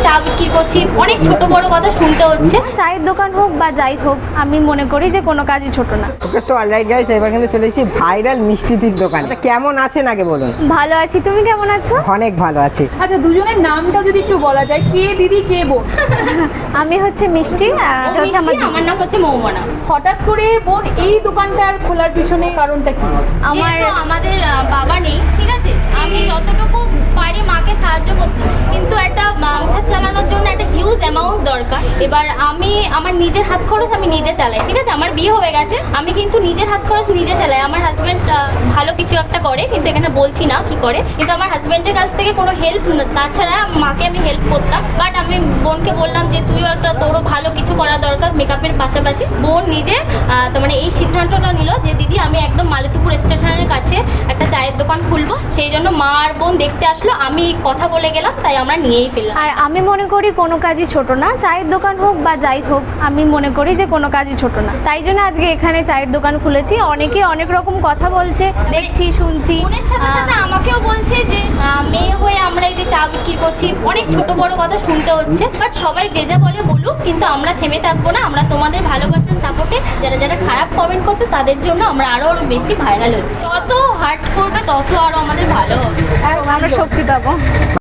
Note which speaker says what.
Speaker 1: চা বিক্রি করছি, অনেক ছোট বড় কথা শুনতে হচ্ছে।
Speaker 2: চায়ের দোকান হোক বা যাই হোক, আমি মনে করি যে কোনো কাজই ছোট না।
Speaker 3: ওকে, সো অলরাইট গাইস, এবার কিন্তু চলে এসেছি ভাইরাল মিষ্টিদির দোকান। আচ্ছা, কেমন আছেন আগে বলুন?
Speaker 2: ভালো আছি, তুমি কেমন আছো?
Speaker 3: অনেক ভালো আছি।
Speaker 4: আচ্ছা, দুজনের নামটা যদি একটু বলা যায়, কে দিদি কে বোন?
Speaker 2: আমি হচ্ছে মিষ্টি, আর হচ্ছে
Speaker 1: আমার নাম হচ্ছে মৌমনা।
Speaker 4: হঠাৎ করে বোন এই দোকানটার খোলার পিছনে কারণটা কি?
Speaker 1: আমাদের বাবা নেই, ঠিক আছে, আমি যতটুকু পারি মাকে সাহায্য করতে, কিন্তু একটা সংসার চালানোর জন্য একটা হিউজ অ্যামাউন্ট দরকার। এবার আমি আমার নিজের হাত খরচ আমি নিজে চালাই, ঠিক আছে, আমার বিয়ে হয়ে গেছে, আমি কিন্তু নিজের হাত খরচ নিজে চালাই। আমার হাজব্যান্ড ভালো কিছু একটা করে, কিন্তু এখানে বলছি না কি করে, কিন্তু আমার হাজব্যান্ডের কাছ থেকে কোনো হেল্প, তাছাড়া মাকে আমি হেল্প করতাম। বাট আমি বোনকে বললাম যে তুইও একটা, তোরও ভালো কিছু করা দরকার মেকআপের পাশাপাশি। বোন নিজে তার মানে এই সিদ্ধান্তটা নিল যে দিদি আমি একদম মালতীপুর স্টেশনের কাছে একটা চায়ের দোকান খুলবো। সেই জন্য মা আর বোন দেখতে আসলো, আমি কথা বলে গেলাম, তাই আমরা নিয়েই ফেললাম।
Speaker 2: আর আমি মনে করি কোনো কাজই ছোট না, চায়ের দোকান হোক বা যাই হোক, আমি মনে করি যে কোনো কাজই ছোট না। তাই জন্য আজকে এখানে চায়ের দোকান খুলেছি। অনেকে অনেক রকম কথা বলছে, দেখছি শুনছি।
Speaker 1: বোনের সাথে সাথে আমাকেও বলছে যে মেয়ে হয়ে আমরা এই যে চা বিক্রি করছি, অনেক ছোট বড় কথা শুনতে হচ্ছে। বাট সবাই যে যা বলে বলুক, কিন্তু আমরা থেমে থাকবো না। আমরা তোমাদের ভালোবাসার সাপোর্টে যারা যারা খারাপ কমেন্ট করছে তাদের জন্য আমরা আরো বেশি ভাইরাল হচ্ছি। যত হার্ট করবে তত আরো আমাদের ভালো হবে।
Speaker 2: আমরা শক্তি পাবো।